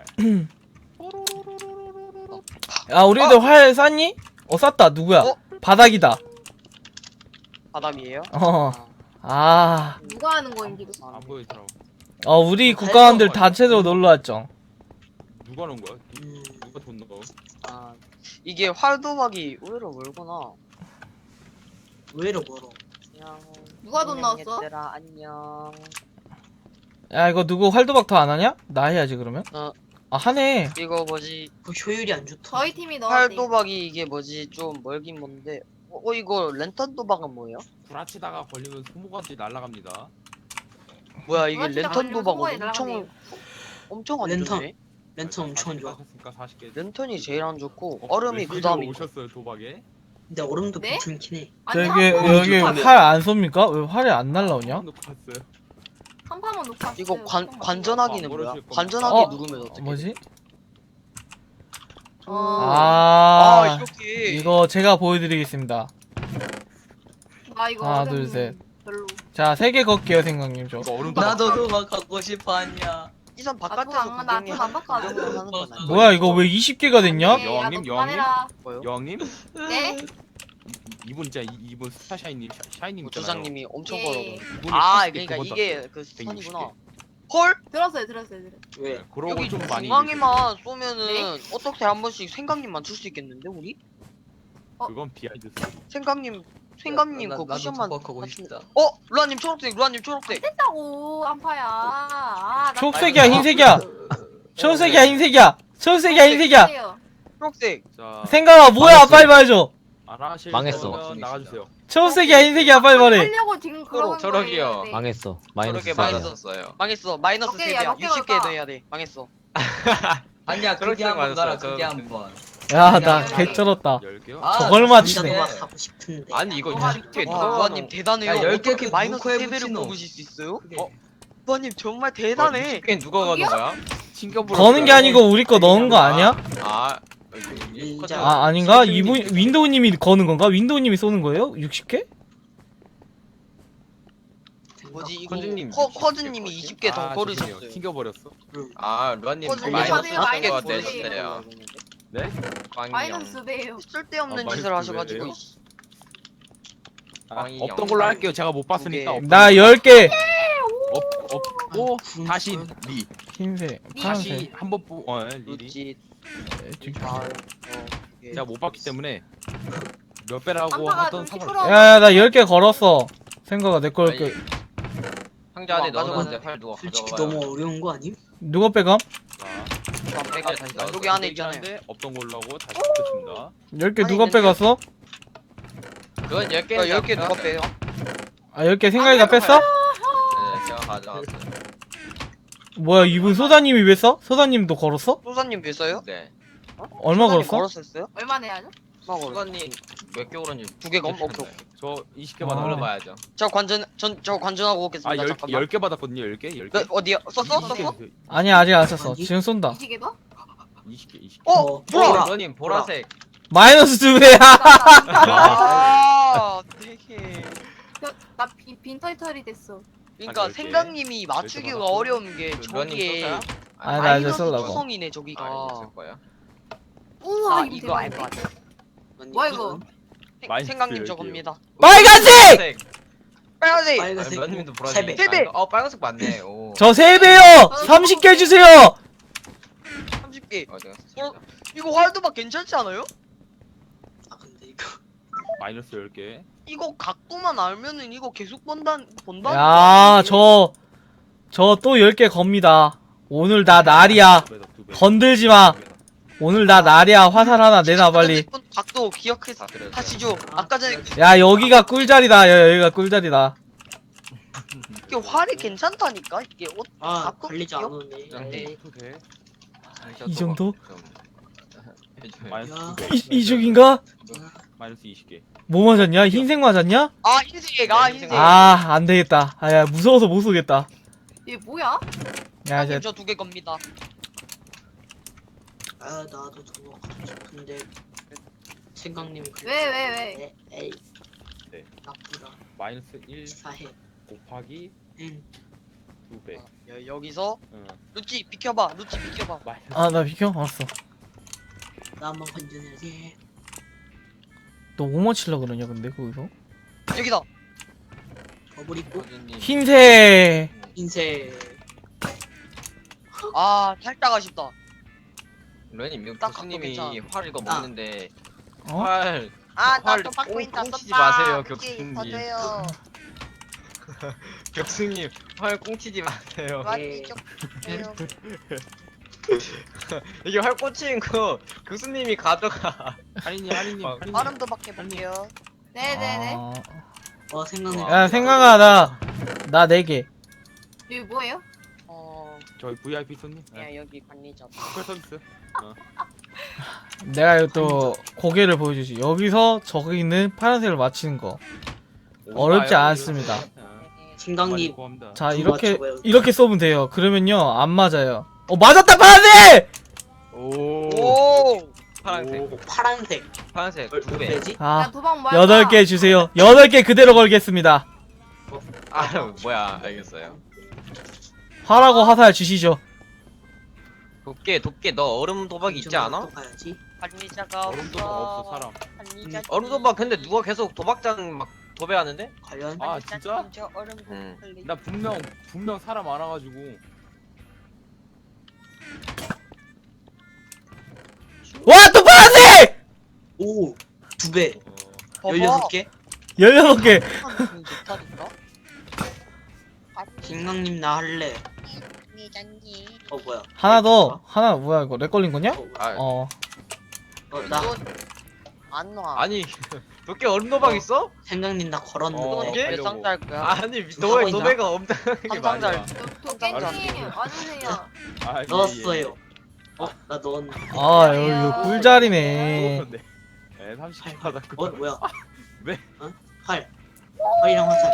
Speaker 1: 야 우리들 활 쐈니? 어 쐈다. 누구야?
Speaker 8: 어?
Speaker 1: 바닥이다.
Speaker 8: 바담이에요?
Speaker 1: 어. 아.
Speaker 4: 누가 하는 거인지도.
Speaker 7: 안 보이더라고.
Speaker 1: 어 우리 국가원들 단체로 놀러 왔죠.
Speaker 7: 누가 넣은 거야? 누,
Speaker 6: 음,
Speaker 7: 누가 돈 넣어?
Speaker 8: 아 이게 활도박이 의외로 멀구나.
Speaker 6: 의외로 멀어.
Speaker 8: 안녕.
Speaker 4: 누가 돈
Speaker 8: 안녕,
Speaker 4: 넣었어?
Speaker 8: 얘들아 안녕.
Speaker 1: 야 이거 누구 활도박 더 안 하냐? 나 해야지 그러면.
Speaker 8: 어.
Speaker 1: 아 하네.
Speaker 8: 이거 뭐지?
Speaker 6: 그 효율이 안 좋다.
Speaker 4: 저희 팀이 넣었대.
Speaker 8: 활도박이 이게 뭐지? 좀 멀긴 뭔데. 어, 어 이거 랜턴 도박은 뭐예요?
Speaker 7: 구라치다가 걸리면 소모가지 날라갑니다.
Speaker 8: 뭐야 이게
Speaker 4: 그렇지,
Speaker 8: 랜턴
Speaker 4: 나가려면
Speaker 8: 도박은
Speaker 4: 소모에
Speaker 8: 엄청
Speaker 4: 날아가네.
Speaker 8: 엄청 안
Speaker 6: 랜턴.
Speaker 8: 좋네.
Speaker 6: 랜턴 엄청 좋아.
Speaker 7: 했으니까 사십 개.
Speaker 8: 랜턴이 제일 안 좋고
Speaker 7: 어,
Speaker 8: 얼음이
Speaker 7: 왜
Speaker 8: 그 다음이.
Speaker 7: 오셨어요 도박에?
Speaker 6: 근데 얼음도
Speaker 4: 네?
Speaker 6: 괜찮긴 해.
Speaker 4: 아니,
Speaker 1: 저기
Speaker 4: 한 판만
Speaker 1: 여기
Speaker 4: 놓고
Speaker 1: 활 안 쏩니까? 왜 활이 안 날라오냐?
Speaker 7: 놓고 갔어요.
Speaker 4: 한 판만 놓고 왔어요.
Speaker 8: 이거 관
Speaker 4: 한 판만.
Speaker 8: 관전하기는
Speaker 7: 어,
Speaker 8: 뭐야?
Speaker 7: 모르실 겁니다.
Speaker 8: 관전하기
Speaker 1: 어?
Speaker 8: 누르면 어떻게?
Speaker 1: 뭐지?
Speaker 4: 어.
Speaker 8: 아,
Speaker 1: 아,
Speaker 8: 이렇게.
Speaker 1: 이거 제가 보여드리겠습니다.
Speaker 4: 나 이거
Speaker 1: 하나,
Speaker 4: 얼음
Speaker 1: 둘, 셋.
Speaker 4: 별로.
Speaker 1: 자, 세 개 걸게요, 생강님. 저.
Speaker 7: 이거 얼음도
Speaker 6: 나도 도박 가고 싶어 하냐.
Speaker 8: 이선
Speaker 4: 나
Speaker 8: 바깥에서
Speaker 4: 돈 안- 나돈 안 바꿔.
Speaker 8: 구경을 하는 건 아니야.
Speaker 1: 뭐야, 이거 왜 이십 개가 됐냐?
Speaker 4: 네,
Speaker 7: 여왕님,
Speaker 4: 야, 너 그만해라.
Speaker 8: 뭐요?
Speaker 7: 여왕님?
Speaker 4: 네?
Speaker 7: 이분 진짜 이- 이분 스타샤이님 샤- 샤이님
Speaker 8: 뭐
Speaker 7: 있잖아요.
Speaker 8: 조장님이 엄청
Speaker 4: 예.
Speaker 8: 벌어.
Speaker 7: 이분이
Speaker 8: 아,
Speaker 7: 팔십 개
Speaker 8: 그러니까
Speaker 7: 두번
Speaker 8: 이게
Speaker 7: 땄어요.
Speaker 8: 그
Speaker 7: 백육십 개.
Speaker 8: 선이구나. 헐?
Speaker 4: 들었어요, 들었어요, 들었어요.
Speaker 6: 왜?
Speaker 7: 그러고
Speaker 8: 여기
Speaker 7: 좀 많이
Speaker 8: 중앙에만 쏘면은
Speaker 4: 네?
Speaker 8: 어떻게 한 번씩 생강님만 줄 수 있겠는데 우리?
Speaker 7: 그건 비하인드 스토리.
Speaker 8: 생강님, 생강님
Speaker 6: 나-
Speaker 8: 그
Speaker 6: 나도
Speaker 8: 쿠션만.
Speaker 6: 도박하고
Speaker 8: 같은-
Speaker 6: 싶다.
Speaker 8: 어, 루아님 초록색, 루아님 초록색.
Speaker 4: 됐다고 안파야. 아, 나
Speaker 1: 초록색이야, 흰색이야. 초록색이야, 흰색이야. 초록색이야, 흰색이야.
Speaker 4: 주세요.
Speaker 8: 초록색.
Speaker 7: 자,
Speaker 1: 생강아, 뭐야?
Speaker 10: 망했어.
Speaker 1: 빨리 말해줘.
Speaker 7: 안 하실
Speaker 10: 망했어.
Speaker 7: 거면 나가주세요.
Speaker 1: 초록색이야, 흰색이야, 빨리 말해.
Speaker 4: 하려고 지금 그러는
Speaker 2: 저러기요.
Speaker 4: 거예요. 네.
Speaker 10: 망했어. 마이너스
Speaker 2: 저렇게
Speaker 10: 사.
Speaker 2: 많이 썼어요.
Speaker 8: 망했어. 마이너스
Speaker 4: 오케이,
Speaker 8: 세
Speaker 4: 야,
Speaker 8: 개야.
Speaker 4: 몇 개
Speaker 8: 육십 개
Speaker 4: 걸까?
Speaker 8: 넣어야 돼. 망했어.
Speaker 6: 아니야
Speaker 2: 저렇게
Speaker 6: 그게 한번
Speaker 2: 맞았어요,
Speaker 6: 가라 그게
Speaker 2: 저렇게.
Speaker 6: 한번.
Speaker 1: 야, 나
Speaker 4: 야,
Speaker 1: 개쩔었다.
Speaker 7: 열 개요?
Speaker 6: 아,
Speaker 1: 저걸
Speaker 6: 나
Speaker 1: 맞히네.
Speaker 6: 진짜 도박 하고 싶은데.
Speaker 2: 아니 이거
Speaker 4: 와,
Speaker 2: 이십 개
Speaker 8: 와,
Speaker 2: 누가
Speaker 8: 루아님 대단해요.
Speaker 6: 야, 열 개
Speaker 8: 어떻게
Speaker 6: 그
Speaker 8: 마이너스
Speaker 6: 문구에
Speaker 8: 세 배를
Speaker 6: 붙이노.
Speaker 8: 뽑으실 수 있어요?
Speaker 6: 그게.
Speaker 8: 어? 루아님 정말 대단해.
Speaker 2: 이십 개 누가 거는 거야? 튕겨버려.
Speaker 1: 거는 게 아니고 우리 거 넣은 거 아니야?
Speaker 2: 아,
Speaker 6: 일자.
Speaker 1: 아, 아닌가? 이분, 윈도우님이 거는 건가? 윈도우님이 쏘는 거예요? 육십 개?
Speaker 8: 뭐지 이거
Speaker 2: 커즈님
Speaker 8: 커,
Speaker 2: 육십 개
Speaker 8: 커즈님이
Speaker 2: 거지?
Speaker 8: 이십 개 더
Speaker 7: 아,
Speaker 8: 걸으셨어요.
Speaker 7: 죄송해요. 튕겨버렸어.
Speaker 2: 아 루아님
Speaker 8: 커즈님
Speaker 4: 마이너스
Speaker 2: 마이너스
Speaker 4: 받으세요,
Speaker 2: 같은 거
Speaker 4: 마이너스.
Speaker 2: 내주세요.
Speaker 7: 네?
Speaker 4: 마이너스 배예요.
Speaker 8: 쓸데없는
Speaker 7: 아,
Speaker 8: 짓을
Speaker 7: 마이너스
Speaker 8: 하셔가지고.
Speaker 7: 왜요? 아,
Speaker 2: 광희
Speaker 7: 없던
Speaker 2: 영상.
Speaker 7: 걸로 할게요. 제가 못 봤으니까.
Speaker 8: 개.
Speaker 7: 없-
Speaker 1: 나 열 개.
Speaker 7: 없, 없고
Speaker 6: 군-
Speaker 7: 다시 리.
Speaker 1: 흰색,
Speaker 7: 다시
Speaker 1: 파란색.
Speaker 7: 한번 뽑. 어, 예, 리리.
Speaker 8: 루지.
Speaker 1: 에,
Speaker 8: 아, 어. 예.
Speaker 7: 제가 못 봤기 때문에 몇 배라고
Speaker 4: 한파가
Speaker 7: 하던
Speaker 4: 좀
Speaker 7: 상관.
Speaker 4: 시끄러워.
Speaker 1: 야, 나 열 개 걸었어. 생각아, 내 걸 게.
Speaker 2: 상자 안에
Speaker 8: 와, 맞아,
Speaker 2: 넣어놨는데
Speaker 8: 맞아.
Speaker 2: 활 누가
Speaker 6: 솔직히
Speaker 2: 가져가요?
Speaker 6: 너무 어려운 거 아님?
Speaker 1: 누가 빼감?
Speaker 7: 자,
Speaker 8: 안 빼가 다시
Speaker 10: 나
Speaker 8: 여기 안에
Speaker 10: 빼긴
Speaker 8: 있잖아요.
Speaker 10: 하는데 없던 걸로 하고 다시 붙여줍니다.
Speaker 1: 열 개
Speaker 8: 아니,
Speaker 1: 누가
Speaker 8: 있는데요?
Speaker 1: 빼갔어?
Speaker 10: 그건 열 개.
Speaker 8: 야, 열 개 누가 빼요?
Speaker 1: 아 열 개 생각이 다 뺐어?
Speaker 10: 네, 제가 가져왔어요.
Speaker 1: 뭐야 이분 소다님이 왜 써? 소다님도 걸었어?
Speaker 8: 소사님 몇 써요?
Speaker 10: 네.
Speaker 1: 얼마
Speaker 8: 소사님
Speaker 1: 걸었어?
Speaker 8: 걸었었어요?
Speaker 4: 얼마 내야죠?
Speaker 8: 얼마 걸었어?
Speaker 10: 수관님 몇 개 오른지
Speaker 8: 두 개가 엄- 오케이,
Speaker 10: 저 이십 개 받아
Speaker 1: 아.
Speaker 10: 올려봐야죠.
Speaker 8: 저 관전 전 저 관전하고
Speaker 10: 아,
Speaker 8: 오겠습니다.
Speaker 10: 열,
Speaker 8: 잠깐만.
Speaker 10: 열 개 받았거든요, 열 개? 열 개?
Speaker 8: 그, 어디야? 썼어? 썼어?
Speaker 1: 아니야 아직 안 썼어. 지금 쏜다.
Speaker 4: 이시계 더?
Speaker 10: 이십 개, 이십 개.
Speaker 8: 어, 보라.
Speaker 10: 러님 보라색.
Speaker 1: 마이너스 두 배야.
Speaker 8: 아, 되게.
Speaker 4: 나빈 빈털털이 됐어.
Speaker 8: 그러니까
Speaker 10: 열 개.
Speaker 8: 생강님이 맞추기가
Speaker 10: 받았고.
Speaker 8: 어려운 게
Speaker 10: 그
Speaker 8: 저기에
Speaker 10: 러닝
Speaker 1: 아 나 이제
Speaker 8: 마이너스
Speaker 1: 쏠라고.
Speaker 8: 구성이네 저기가.
Speaker 10: 아, 있을 거야.
Speaker 4: 우와
Speaker 8: 아,
Speaker 4: 이거
Speaker 8: 이거 알
Speaker 4: 대박이네.
Speaker 8: 것 같아.
Speaker 4: 뭐야 이거?
Speaker 8: 생-
Speaker 10: 마이너스
Speaker 8: 생강님
Speaker 10: 열
Speaker 8: 저겁니다.
Speaker 1: 빨간색!
Speaker 8: 빨간색.
Speaker 6: 빨간색
Speaker 10: 러님도
Speaker 6: 세
Speaker 10: 보라색.
Speaker 6: 배.
Speaker 8: 세 배.
Speaker 10: 어, 빨간색 맞네. 오.
Speaker 1: 저 세 배요. 삼십 개 주세요.
Speaker 8: 삼십 개.
Speaker 10: 어, 내가
Speaker 8: 어? 이거 활도박 괜찮지 않아요?
Speaker 6: 아 근데 이거
Speaker 10: 마이너스 열 개.
Speaker 8: 이거 각도만 알면은 이거 계속 본다 본다.
Speaker 1: 야, 저 저 또 열 개 겁니다. 오늘 나 날이야.
Speaker 10: 두 배 더, 두 배.
Speaker 1: 건들지 마. 오늘 나 날이야. 화살 하나 내놔 빨리.
Speaker 8: 각도 기억해서
Speaker 10: 다 드렸어요.
Speaker 8: 하시죠. 아까 전에
Speaker 1: 야, 여기가 꿀자리다. 야, 여기가 꿀자리다.
Speaker 8: 이게 활이 괜찮다니까 이게 옷
Speaker 6: 아
Speaker 8: 각도
Speaker 6: 관리지 안
Speaker 8: 기억?
Speaker 6: 오네.
Speaker 10: 네.
Speaker 6: 에이,
Speaker 10: 두 개.
Speaker 1: 이 정도?
Speaker 10: 좀- 마이너스
Speaker 6: 야.
Speaker 10: 두 개.
Speaker 1: 이, 이쪽인가?
Speaker 10: 마이너스 이십 개.
Speaker 1: 뭐 맞았냐? 흰색 맞았냐?
Speaker 8: 아 흰색 아
Speaker 10: 네,
Speaker 8: 흰색.
Speaker 1: 아, 안 되겠다. 아, 야, 무서워서 못 쏘겠다.
Speaker 4: 얘 뭐야?
Speaker 1: 야, 이제
Speaker 8: 저두 개 겁니다.
Speaker 6: 아 나도 저거 갖고 싶은데 생강님이 그랬어.
Speaker 4: 왜, 왜, 왜?
Speaker 6: 에이
Speaker 10: 네.
Speaker 6: 나쁘다.
Speaker 10: 마이너스 일
Speaker 6: 사해.
Speaker 10: 곱하기
Speaker 6: 응.
Speaker 10: 두 배.
Speaker 8: 야, 여기서
Speaker 10: 응.
Speaker 8: 루찌 비켜봐. 루찌 비켜봐.
Speaker 10: 마이너스
Speaker 1: 아, 나 비켜. 알았어.
Speaker 6: 나 한번 건져내야지.
Speaker 1: 너 뭐 맞힐라 그러냐, 근데 거기서?
Speaker 8: 여기다.
Speaker 6: 버블 있고
Speaker 10: 호주님.
Speaker 1: 흰색.
Speaker 6: 흰색.
Speaker 8: 아 살짝 아쉽다.
Speaker 10: 러님 이거
Speaker 8: 딱
Speaker 10: 교수님이
Speaker 8: 갖고 괜찮아.
Speaker 10: 활 이거
Speaker 6: 아.
Speaker 10: 먹는데
Speaker 1: 어?
Speaker 10: 활
Speaker 8: 아
Speaker 10: 활
Speaker 8: 나도 받고
Speaker 10: 꽁-
Speaker 8: 있다
Speaker 10: 꽁치지
Speaker 8: 썼다.
Speaker 10: 마세요,
Speaker 8: 루찌
Speaker 10: 교수님.
Speaker 8: 더 줘요.
Speaker 10: 교수님 활 꽁치지 마세요.
Speaker 6: 네.
Speaker 8: 루찌 좀 줘요.
Speaker 10: 이게 활 꽂히는 거 교수님이 가져가. 할인이 할인님
Speaker 8: 아,
Speaker 10: 할인님.
Speaker 8: 발음도 밖에 볼게요.
Speaker 4: 네네네.
Speaker 1: 아.
Speaker 6: 어 생강님.
Speaker 1: 야, 생각아, 나, 나 네 개.
Speaker 4: 여기 뭐예요?
Speaker 8: 어,
Speaker 10: 저희 브이아이피 손님.
Speaker 8: 야
Speaker 10: 네.
Speaker 8: 여기 관리자.
Speaker 10: 스페 서비스.
Speaker 1: 내가 이거 또 고개를 보여주지. 여기서 저기 있는 파란색을 맞히는 거. 어렵지
Speaker 10: 오바요,
Speaker 1: 않습니다.
Speaker 10: 이거.
Speaker 6: 생강님
Speaker 10: 고맙다.
Speaker 1: 자,
Speaker 6: 두
Speaker 1: 이렇게,
Speaker 6: 맞춰봐요.
Speaker 1: 이렇게 쏘면 돼요. 그러면요, 안 맞아요. 어, 맞았다, 파란색!
Speaker 10: 오.
Speaker 8: 오.
Speaker 10: 파란색.
Speaker 6: 오, 파란색.
Speaker 10: 파란색 두
Speaker 6: 몇
Speaker 10: 배.
Speaker 6: 배지?
Speaker 4: 야
Speaker 1: 아,
Speaker 4: 도박 뭐야?
Speaker 1: 여덟 개 주세요. 여덟 개 그대로 걸겠습니다.
Speaker 10: 아 뭐야 알겠어요.
Speaker 1: 화라고 화살 주시죠.
Speaker 10: 도깨 도깨 너 얼음 도박 있지 않아?
Speaker 6: 또 가야지.
Speaker 8: 관리자가
Speaker 10: 얼음 도박 없어 사람.
Speaker 8: 관리자.
Speaker 10: 얼음 도박 근데 누가 계속 도박장 막 도배하는데?
Speaker 6: 과연
Speaker 7: 아 진짜?
Speaker 8: 저 얼음
Speaker 10: 응.
Speaker 8: 관리.
Speaker 7: 나 분명 분명 사람 많아가지고
Speaker 1: 와, 또 파란색!
Speaker 6: 오 두 배.
Speaker 8: 봐봐.
Speaker 6: 열여섯 개.
Speaker 1: 열여섯 개.
Speaker 8: 음, 좋다니까.
Speaker 6: 생강님 나 할래. 어 뭐야?
Speaker 1: 하나 더. 하나, 뭐야, 이거. 렉 걸린 거냐?
Speaker 6: 어, 뭐야?
Speaker 10: 아
Speaker 1: 어.
Speaker 6: 어, 나
Speaker 8: 안 와.
Speaker 10: 아니 도깨 얼음 도박
Speaker 6: 어.
Speaker 10: 있어?
Speaker 6: 생강님 나
Speaker 7: 어,
Speaker 6: 걸었는데.
Speaker 10: 이게?
Speaker 8: 몇 상자일 거야?
Speaker 10: 아니
Speaker 6: 누가
Speaker 10: 너의
Speaker 6: 있나?
Speaker 10: 도배가 엄청나게
Speaker 8: 한
Speaker 10: 많아.
Speaker 8: 상자를.
Speaker 4: 도깨님 와주세요.
Speaker 7: 아, 예,
Speaker 6: 넣었어요. 어 나 넣었네.
Speaker 1: 아, 여기 이거 꿀자리네.
Speaker 7: 네. 네, 삼십 개 받았고.
Speaker 6: 어 뭐야?
Speaker 7: 왜?
Speaker 6: 어? 활. 활이랑 화살.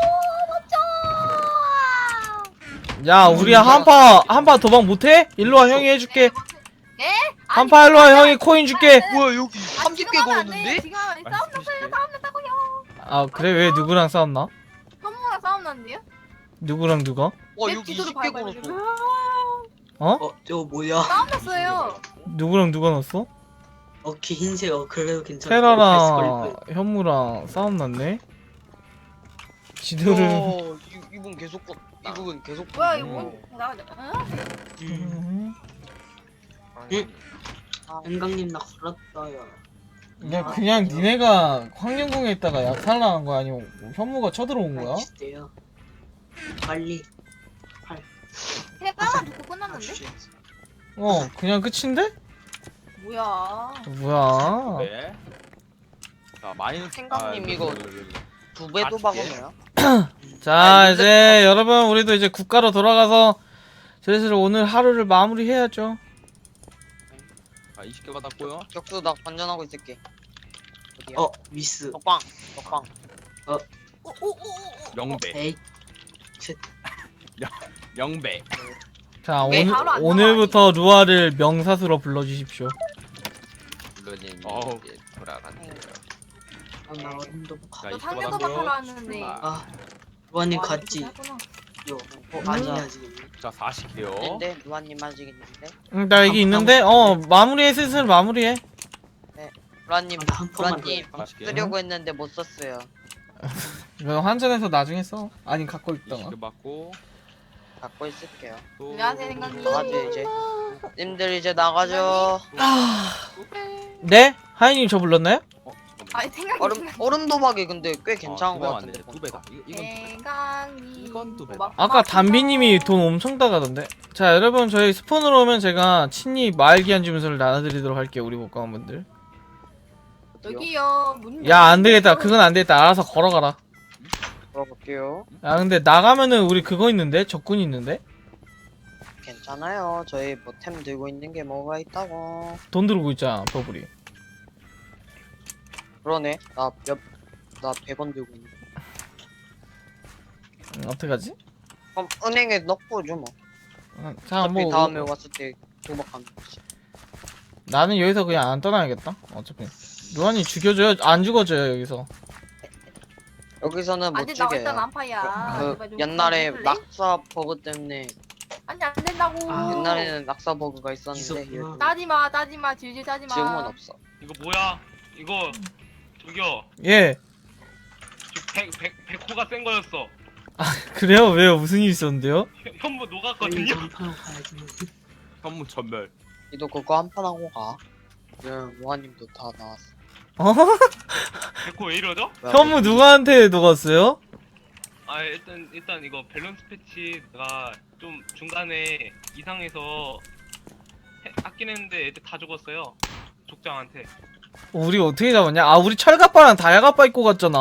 Speaker 1: 야, 우리 한파, 한파 도박 못해? 일로와, 형이 해줄게.
Speaker 4: 네?
Speaker 1: 한파 일로와, 형이 코인 줄게.
Speaker 8: 뭐야 여기 삼십 개 걸었는데?
Speaker 4: 지금 하면 싸움 났어요. 싸움 났다고요.
Speaker 1: 아, 그래? 왜 누구랑 싸웠나?
Speaker 4: 현무랑 싸움 났는데요?
Speaker 1: 누구랑 누가?
Speaker 8: 와
Speaker 4: 내
Speaker 8: 여기
Speaker 4: 뒤도로
Speaker 8: 이십 개
Speaker 4: 밟아요,
Speaker 8: 걸었어.
Speaker 4: 지금.
Speaker 1: 어?
Speaker 6: 어 저거 뭐야?
Speaker 4: 싸움 났어요.
Speaker 1: 누구랑 누가 넣었어?
Speaker 6: 어키 흰색 어 그래도 괜찮아.
Speaker 1: 테라랑 현무랑 싸움 났네? 지들은.
Speaker 8: 어, 이- 이분 계속 거, 이분 계속.
Speaker 4: 뭐야 이거?
Speaker 1: 음.
Speaker 4: 나가자. 응?
Speaker 6: 음. 응? 생강님 나 걸었어요.
Speaker 1: 야, 그냥 니네가 황룡궁에 있다가 약탈 나간 거야? 아니면 현무가 쳐들어온 거야?
Speaker 6: 주세요. 빨리.
Speaker 4: 그냥 까만 듣고 끝났는데?
Speaker 6: 주세요.
Speaker 1: 어 그냥 끝인데?
Speaker 4: 뭐야?
Speaker 1: 뭐야?
Speaker 7: 네. 자 마이너스.
Speaker 8: 생강님
Speaker 7: 아,
Speaker 8: 이거
Speaker 7: 여기, 여기, 여기.
Speaker 8: 두 배도 박으네요.
Speaker 1: 자
Speaker 8: 아니,
Speaker 1: 이제 여러분 우리도 이제 국가로 돌아가서 슬슬 오늘 하루를 마무리해야죠.
Speaker 7: 아 이십 개 받았고요.
Speaker 8: 격수 나 관전하고 있을게. 어디야?
Speaker 6: 어 미스.
Speaker 8: 먹방 먹방.
Speaker 7: 영배.
Speaker 6: 에이.
Speaker 7: 영배.
Speaker 1: 자
Speaker 8: 네,
Speaker 1: 오늘
Speaker 4: 바로 안
Speaker 1: 오늘부터 루아를 명사수로 불러주십시오.
Speaker 10: 물론님
Speaker 7: 어우.
Speaker 10: 이제 돌아간대요.
Speaker 6: 아, 나 어림도 못 가.
Speaker 7: 자
Speaker 4: 너
Speaker 7: 이십 개
Speaker 4: 상대도
Speaker 7: 받았고요.
Speaker 4: 박하러 왔는데.
Speaker 7: 아,
Speaker 6: 아 루아님
Speaker 4: 와,
Speaker 6: 갔지.
Speaker 4: 이렇게 하구나.
Speaker 6: 요. 어
Speaker 1: 음.
Speaker 6: 아니야 지금.
Speaker 7: 자 사십 개요.
Speaker 8: 근데 루아님 아직 있는데.
Speaker 1: 응, 나 여기 있는데 어 마무리해 슬슬 마무리해.
Speaker 8: 루아님
Speaker 6: 아, 나한 턴만 더.
Speaker 8: 루아님
Speaker 7: 사십 개.
Speaker 8: 쓰려고 했는데 못 썼어요.
Speaker 1: 이거 환전해서 나중에 써. 아니 갖고 있다가.
Speaker 7: 이십 개 받고
Speaker 8: 갖고 있을게요.
Speaker 7: 또
Speaker 4: 안녕하세요, 생강님.
Speaker 8: 나가죠 이제. 님들 이제 나가죠.
Speaker 1: 네? 하이님 저 불렀나요?
Speaker 7: 어, 잠깐만.
Speaker 4: 아니 생각이
Speaker 8: 얼음 얼음 도박이 근데 꽤 괜찮은 것
Speaker 7: 어,
Speaker 8: 같은데.
Speaker 7: 두 배다. 이- 이건
Speaker 4: 생강이.
Speaker 7: 이건 두 배다.
Speaker 4: 막-
Speaker 1: 아까 담비님이 돈 엄청 따가던데. 자 여러분 저희 스폰으로 오면 제가 친히 마을기한 주문서를 나눠드리도록 할게요 우리 복강분들.
Speaker 4: 여기요. 문.
Speaker 1: 야 안되겠다 그건 안되겠다 알아서 걸어가라.
Speaker 8: 걸어볼게요.
Speaker 1: 야 근데 나가면은 우리 그거 있는데 적군 있는데
Speaker 8: 괜찮아요. 저희 뭐 템 들고 있는 게 뭐가 있다고.
Speaker 1: 돈 들고 있잖아 버블이.
Speaker 8: 그러네. 나 몇 나 백 원 들고 있는.
Speaker 1: 음, 어떡하지?
Speaker 8: 그럼 은행에 넣고 줘 뭐.
Speaker 1: 어, 자
Speaker 8: 어차피
Speaker 1: 뭐
Speaker 8: 다음에 왔을 때 도박하는 거지.
Speaker 1: 나는 여기서 그냥 안 떠나야겠다. 어차피 루안이 죽여줘요 안 죽어줘요 여기서.
Speaker 8: 여기서는 못
Speaker 4: 안돼 나 일단
Speaker 8: 죽여요.
Speaker 4: 안파야.
Speaker 8: 그
Speaker 4: 제발 좀
Speaker 8: 옛날에
Speaker 4: 해줄래?
Speaker 8: 낙사 버그 때문에
Speaker 4: 아니 안 된다고.
Speaker 6: 아,
Speaker 8: 옛날에는 낙사 버그가 있었는데
Speaker 6: 있었구나.
Speaker 8: 요즘-
Speaker 4: 따지마 따지마 질질 따지마.
Speaker 8: 지금은 없어.
Speaker 3: 이거 뭐야? 이거 저기요.
Speaker 1: 예.
Speaker 3: 백, 백, 백호가 센 거였어.
Speaker 1: 그래요? 왜요? 무슨 일 있었는데요?
Speaker 3: 현- 현무
Speaker 6: 빨리
Speaker 3: 녹았거든요.
Speaker 6: 전파로 가야지.
Speaker 7: 현무 전멸.
Speaker 8: 니도 그거 한 판 하고 가. 네, 로아님도 다 나왔어.
Speaker 1: 어?
Speaker 3: 백호 왜 이러죠?
Speaker 8: 뭐야,
Speaker 1: 현무 누구한테 녹았어요?
Speaker 3: 아 일단 일단 이거 밸런스 패치가 좀 중간에 이상해서 해- 하긴 했는데 애들 다 죽었어요. 족장한테.
Speaker 1: 우리 어떻게 잡았냐? 아 우리 철갑바랑 다야갑바 입고 갔잖아.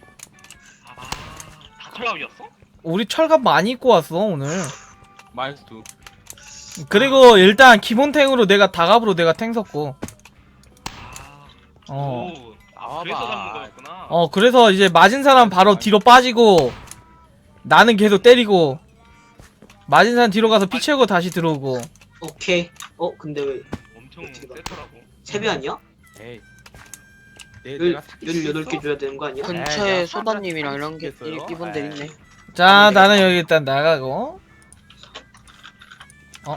Speaker 3: 아다 컬라우였어?
Speaker 1: 우리 철갑 많이 입고 왔어 오늘.
Speaker 7: 마이너스 두.
Speaker 1: 그리고 일단 기본탱으로 내가 다갑으로 내가 탱 섰고.
Speaker 3: 아.
Speaker 1: 어.
Speaker 3: 오. 아, 그래서 잡는 거였구나.
Speaker 1: 어 그래서 이제 맞은 사람 바로 뒤로 빠지고 나는 계속 때리고 맞은 사람 뒤로 가서 피 채우고 다시 들어오고.
Speaker 6: 오케이. 어 근데 왜
Speaker 3: 엄청
Speaker 6: 어떻게 봐.
Speaker 3: 세더라고.
Speaker 6: 세배 아니야?
Speaker 7: 에이. 내
Speaker 6: 열
Speaker 7: 내가 사기
Speaker 6: 열여덟 개
Speaker 7: 치겠어?
Speaker 6: 줘야 되는 거 아니야?
Speaker 7: 그-
Speaker 8: 근처에
Speaker 7: 내가
Speaker 8: 소다님이랑 이런 게
Speaker 7: 사기치겠어요?
Speaker 8: 기본들 있네.
Speaker 7: 에이.
Speaker 1: 자 나는 여기 일단 나가고. 어?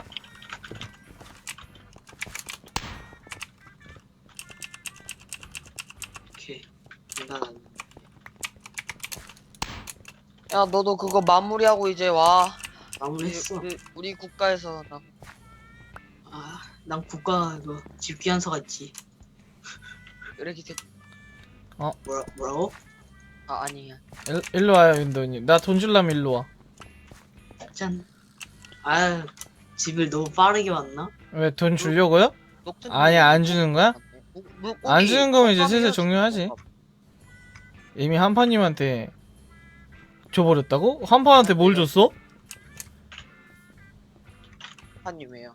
Speaker 6: 오케이. 난
Speaker 8: 야 너도 그거 마무리하고 이제 와. 우리,
Speaker 6: 마무리했어.
Speaker 8: 우리, 우리 국가에서 나
Speaker 6: 아, 난 국가 그 집귀한서가 있지.
Speaker 8: 이렇게 돼.
Speaker 6: 뭐라 뭐라고?
Speaker 8: 아 아니야.
Speaker 1: 일, 일로 와요 윤도님. 나 돈 줄라면 일로 와.
Speaker 6: 짠. 아, 집을 너무 빠르게 왔나?
Speaker 1: 왜 돈 주려고요?
Speaker 8: 녹슨
Speaker 1: 아니, 안 주는 거야?
Speaker 8: 물- 물고기
Speaker 1: 안 주는 거면 이제 슬슬
Speaker 8: 깜깜이라서
Speaker 1: 종료하지. 이미 한파님한테 줘버렸다고? 한파한테 뭘 줬어?
Speaker 8: 한님이에요.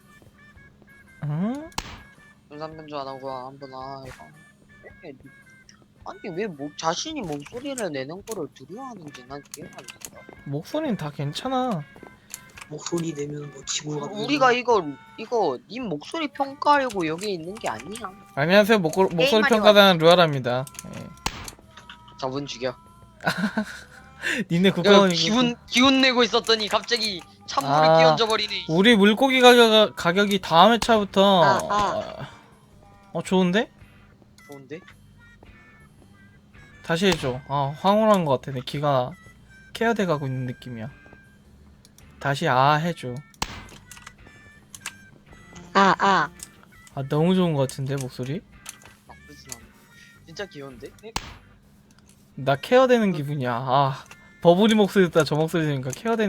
Speaker 1: 응?
Speaker 8: 중산변조 안 하고 한번 아 이거. 왜- 아니 왜 목, 자신이 목소리를 내는 거를 두려워하는지 난 이해가 안 된다.
Speaker 1: 목소리는 다 괜찮아.
Speaker 6: 목소리 내면 뭐 지구가
Speaker 8: 우리가 이거 이거 님 목소리 평가하려고 여기 있는 게 아니야.
Speaker 1: 안녕하세요. 목고, 목소리
Speaker 4: 게임하려
Speaker 1: 평가단 루아랍니다. 예.
Speaker 8: 저분 죽여.
Speaker 1: 니네
Speaker 8: 야,
Speaker 1: 국가원이
Speaker 8: 기운 기운 내고 있었더니 갑자기 찬물을
Speaker 1: 아.
Speaker 8: 끼얹어 버리네.
Speaker 1: 우리 물고기 가격, 가격이 다음 회차부터
Speaker 8: 아, 아.
Speaker 1: 어 좋은데?
Speaker 8: 좋은데?
Speaker 1: 다시 해줘. 아 황홀한 것 같아. 내 귀가 케어돼 가고 있는 느낌이야. 다시 아 해줘.
Speaker 8: 아 아.
Speaker 1: 아 너무 좋은 것 같은데 목소리?
Speaker 8: 나쁘진 않아. 진짜 귀여운데?
Speaker 1: 나 케어되는 기분이야. 아 버블이 목소리 듣다 저 목소리 들으니까 케어되는